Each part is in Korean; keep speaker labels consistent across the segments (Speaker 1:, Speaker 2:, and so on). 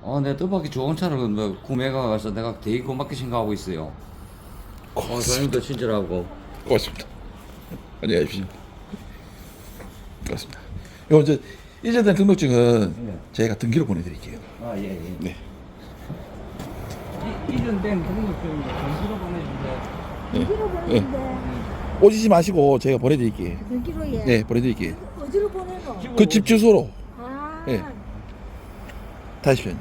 Speaker 1: 내 뜻밖의 좋은 차를 뭐 구매가 가서 내가 되게 고맙게 생각하고 있어요. 사장님도 친절하고.
Speaker 2: 고맙습니다. 안녕히 계십시오. 고맙습니다. 요 이제 이전된 등록증은
Speaker 1: 네.
Speaker 2: 저희가 등기로 보내드릴게요.
Speaker 1: 아, 예, 예.
Speaker 2: 네.
Speaker 1: 이전 된 등록증 전수로 보내주세요.
Speaker 3: 어디로 보내는데?
Speaker 2: 오시지 마시고 저희가 보내드릴게요.
Speaker 3: 여기로 예.
Speaker 2: 네, 보내드릴게요.
Speaker 3: 어디로 보내노?
Speaker 2: 그 집 주소로
Speaker 3: 아,
Speaker 2: 예. 다시요.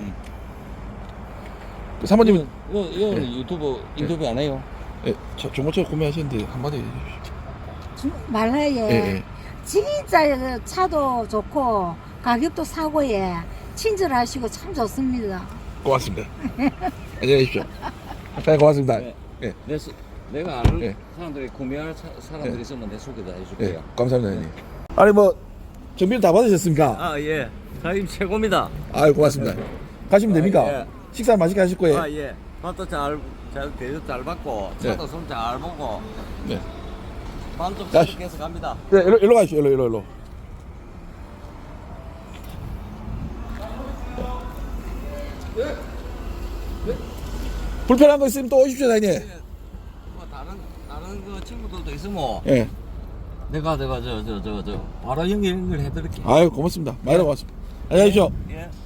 Speaker 2: 그 사모님은
Speaker 1: 이거 유튜브 인터뷰 안 해요?
Speaker 2: 예, 중고차 구매하셨는데 한마디 해주십시오.
Speaker 3: 말라에
Speaker 2: 예, 예.
Speaker 3: 진짜 차도 좋고 가격도 사고에 친절하시고 참 좋습니다.
Speaker 2: 고맙습니다. 안녕히 계십시오. 네, 고맙습니다.
Speaker 1: 네.
Speaker 2: 예,
Speaker 1: 내가 아는
Speaker 2: 예.
Speaker 1: 사람들이 구매할 사람들이
Speaker 2: 예.
Speaker 1: 있으면 내 소개도
Speaker 2: 예,
Speaker 1: 해줄게요.
Speaker 2: 감사합니다. 형님. 아니 뭐 정비를 다 받으셨습니까?
Speaker 1: 아, 예. 사장님 최고입니다.
Speaker 2: 아유 고맙습니다. 가시면 됩니까?
Speaker 1: 예.
Speaker 2: 식사 맛있게 하실 거예요?
Speaker 1: 아, 예. 밥도 대접 잘 받고, 차도 손 잘 보고,
Speaker 2: 네.
Speaker 1: 반좀
Speaker 2: 야,
Speaker 1: 계속 갑니다.
Speaker 2: 네, 일로 가시죠. 일로. 불편한 거 있으면 또 오십시오, 사장님.
Speaker 1: 뭐 다른 그 친구들도 있으면
Speaker 2: 예.
Speaker 1: 내가 바로 연결해드릴게.
Speaker 2: 아유 고맙습니다. 많이 고맙습니다. 안녕히 계십시오.
Speaker 1: 예.